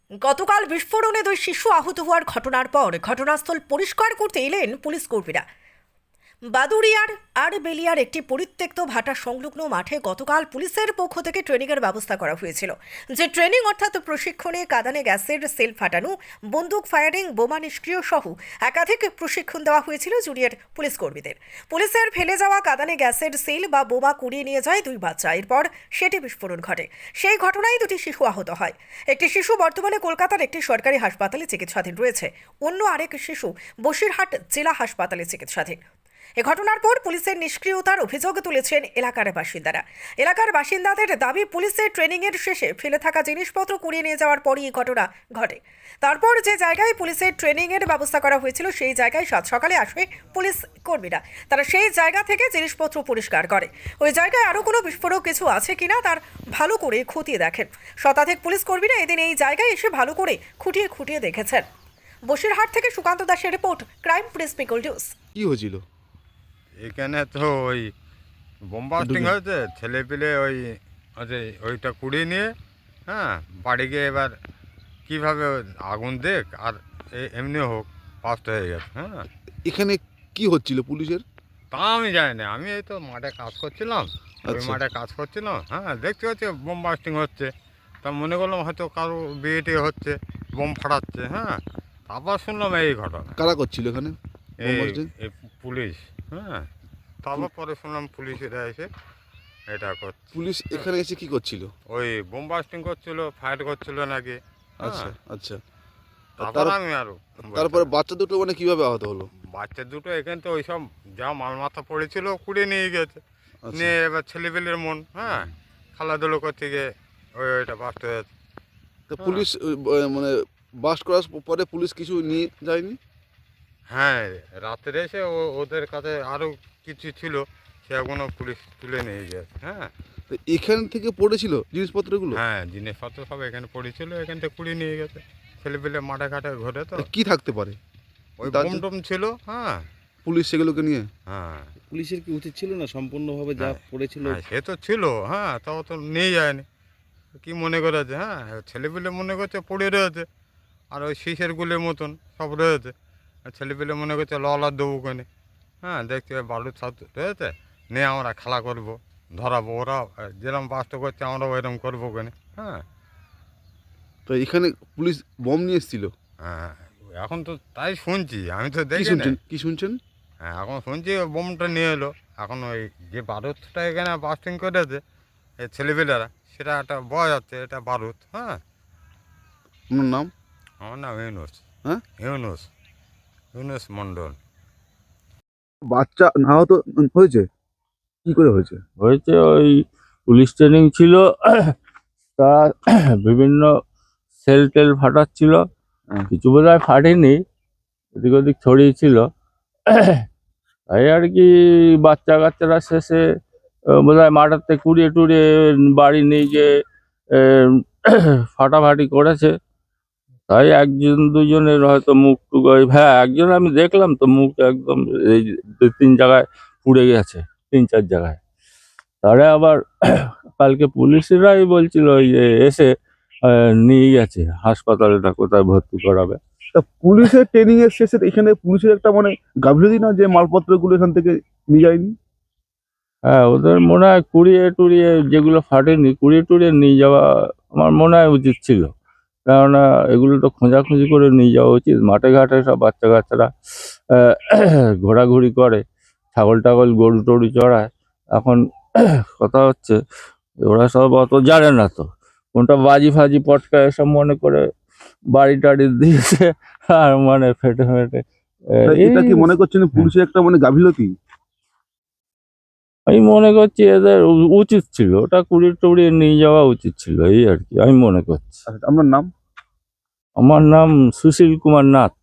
গতকাল বিস্ফোরণে 2 শিশু আহত হওয়ার ঘটনার পর ঘটনাস্থল পরিষ্কার করতে এলেন পুলিশ কর্মীরা। বাদুড়িয়ার আড়বেলিয়ার একটি পরিত্যক্ত ভাটা সংলগ্ন মাঠে গতকাল পুলিশের পক্ষ থেকে ট্রেনিংয়ের ব্যবস্থা করা হয়েছিল। যে ট্রেনিং অর্থাৎ প্রশিক্ষণে কাঁদানে গ্যাসের সেল ফাটানো, বন্দুক ফায়ারিং, বোমা নিষ্ক্রিয় সহ একাধিক প্রশিক্ষণ দেওয়া হয়েছিল জুনিয়র পুলিশ কর্মীদের। পুলিশের ফেলে যাওয়া কাঁদানে গ্যাসের সেল বা বোমা কুড়িয়ে নিয়ে যায় 2 বাচ্চা। এরপর সেটি বিস্ফোরণ ঘটে। সেই ঘটনায় 2টি শিশু আহত হয়। একটি শিশু বর্তমানে কলকাতার একটি সরকারি হাসপাতালে চিকিৎসাধীন রয়েছে, অন্য আরেক শিশু বসিরহাট জেলা হাসপাতালে চিকিৎসাধীন। এ ঘটনার পর পুলিশের নিষ্ক্রিয়তার অভিযোগ তুলেছেন এলাকার বাসিন্দারা। এলাকার বাসিন্দাদের দাবি, পুলিশের ট্রেনিংয়ের শেষে ফেলে থাকা জিনিসপত্র কুড়িয়ে নিয়ে যাওয়ার পরই এই ঘটনা ঘটে। তারপর যে জায়গায় পুলিশের ট্রেনিংয়ের ব্যবস্থা করা হয়েছিল সেই জায়গায় সাত সকালে আসে পুলিশ কর্মীরা। তারা সেই জায়গা থেকে জিনিসপত্র পরিষ্কার করে। ওই জায়গায় আরও কোনো বিস্ফোরক কিছু আছে কিনা তার ভালো করে খতিয়ে দেখেন। শতাধিক পুলিশ কর্মীরা এদিন এই জায়গায় এসে ভালো করে খুঁটিয়ে দেখেছেন। বসিরহাট থেকে সুকান্ত দাসের report, crime press people news. কি হয়েছিল এখানে? তো ওই বোমবাস্টিং হয়েছে, ছেলে পেলে ওইটা কুড়িয়ে নিয়ে বাড়ি গিয়ে এবার কীভাবে আগুন দেখ আর এমনি হোক ফাস্ট হয়ে গেছে। এখানে কি হচ্ছিল পুলিশের? তা আমি জানি না, আমি এই তো মাঠে কাজ করছিলাম, ওই আচ্ছা। মাঠে কাজ করছিলাম। দেখতে পাচ্ছি বোমবাস্টিং হচ্ছে, তা মনে করলাম হয়তো কারো বিয়ে টিয়ে হচ্ছে, বোম ফাটাচ্ছে। তারপর শুনলাম এই ঘটনা। কারা করছিল এখানে এই বোমবাস্টিং? এই পুলিশ। তারপর পরে শুনলাম পুলিশেরা এসে এটা করছে। পুলিশ এখানে এসে কি করছিল? ওই বোমবাস্টিং করছিল, ফায়ার করছিল নাকি। আচ্ছা আচ্ছা। তারপর আমি আরো তারপরে বাচ্চা দুটো মানে কিভাবে আহত হলো? বাচ্চা দুটো এখানে তো ওইসব যা মাল মাথা পড়েছিল কুড়িয়ে নিয়ে গেছে। আচ্ছা। নিয়ে এবার ছেলেপেলের মন খেলাধুলো করতে গিয়ে ওইটা বাস্ট হয়েছে। তো পুলিশ মানে বাস্ট করার পরে পুলিশ কিছু নিয়ে যায়নি? রাত্রে এসে ওদের কাছে আরও কিছু ছিল, সেগুলো পুলিশ তুলে নিয়ে গেছে। তো এখান থেকে পড়েছিল জিনিসপত্রগুলো? জিনিসপত্র সব এখানে পড়েছিল, এখান থেকে কুড়িয়ে নিয়ে গেছে। ছেলেপেলে মাঠে ঘাটে ঘুরে তো কি থাকতে পারে? ওই তার- বোম টোম ছিল। পুলিশ সেগুলোকে নিয়ে পুলিশের কি উচিত ছিল না সম্পূর্ণভাবে যা পড়েছিল? সে তো ছিল, তাও তো নিয়ে যায়নি। কি মনে করেছে? ছেলেপেলে মনে করছে পড়ে রয়েছে, আর ওই শীষের গুলের মতন সব রয়েছে। আর ছেলেপেলে মনে করছে ললার দেবো ওখানে। দেখছি বালুর ছাদ রয়েছে, নিয়ে আমরা খেলা করব, ধরাবো। ওরা যেরকম বাস্ত করছে আমরাও এরকম করবো ওখানে। তো এখানে পুলিশ বোম নিয়ে এসেছিল? এখন তো তাই শুনছি, আমি তো কি দেখি না। শুনছেন কি শুনছেন? এখন শুনছি বোমটা নিয়ে এলো। এখন ওই যে বারুদটা এখানে বাস্টিং করেছে এই ছেলেপেলেরা, সেটা একটা বয় যাচ্ছে, এটা বারুদ। আপনার নাম? আমার নাম ইউনুস। হ্যাঁ? ইউনুস মণ্ডল। বাচ্চা আহত হয়েছে? কি করে হয়েছে? হয়েছে ওই পুলিশ ট্রেনিং ছিল, তা বিভিন্ন সেল টেল ফাটাচ্ছিল, কিছু বোধহয় ফাটেনি, এদিক ওদিক ছড়িয়েছিল। তাই আর কি বাচ্চা কাচ্চারা শেষে বোধহয় মাঠাতে কুড়িয়ে টুড়িয়ে বাড়ি নিয়ে গিয়ে ফাটাফাটি করেছে। তাই একজন দুজনের হয়তো মুখ টুক একজন আমি দেখলাম তো, মুখ একদম এই 2-3 জায়গায় পুড়ে গেছে, 3-4 জায়গায়। তারে আবার কালকে পুলিশরাই বলছিল ওই যে এসে নিয়ে গেছে হাসপাতালে, না কোথায় ভর্তি করাবে। তা পুলিশের ট্রেনিং এর শেষে এখানে পুলিশের একটা মানে গাফিলতি না যে মালপত্রগুলো এখান থেকে নিয়ে যায়নি? ওদের মনে হয় কুড়িয়ে টুড়িয়ে যেগুলো ফাটেনি কুড়িয়ে টুড়িয়ে নিয়ে যাওয়া আমার মনে হয় উচিত ছিল। কেননা এগুলো তো খোঁজাখুঁজি করে নিয়ে যাওয়া উচিত। মাঠে ঘাটে সব বাচ্চা কাচ্চারা ঘোরাঘুরি করে, ছাগল টাগল গরু টরু চড়ায়। এখন কথা হচ্ছে ওরা সব অত জানে না, তো কোনটা বাজি ফাজি পটকা এসব মনে করে বাড়ি টাড়ি দিয়েছে, আর মানে ফেটে ফেটে এটা কি মনে করছেন পুলিশের একটা মানে গাফিলতি? আমি মনে করছি এদের উচিত ছিল ওটা কুড়িয়ে টুড়িয়ে নিয়ে যাওয়া উচিত ছিল, এই আর কি আমি মনে করছি। আপনার নাম? আমার নাম সুশীল কুমার নাথ।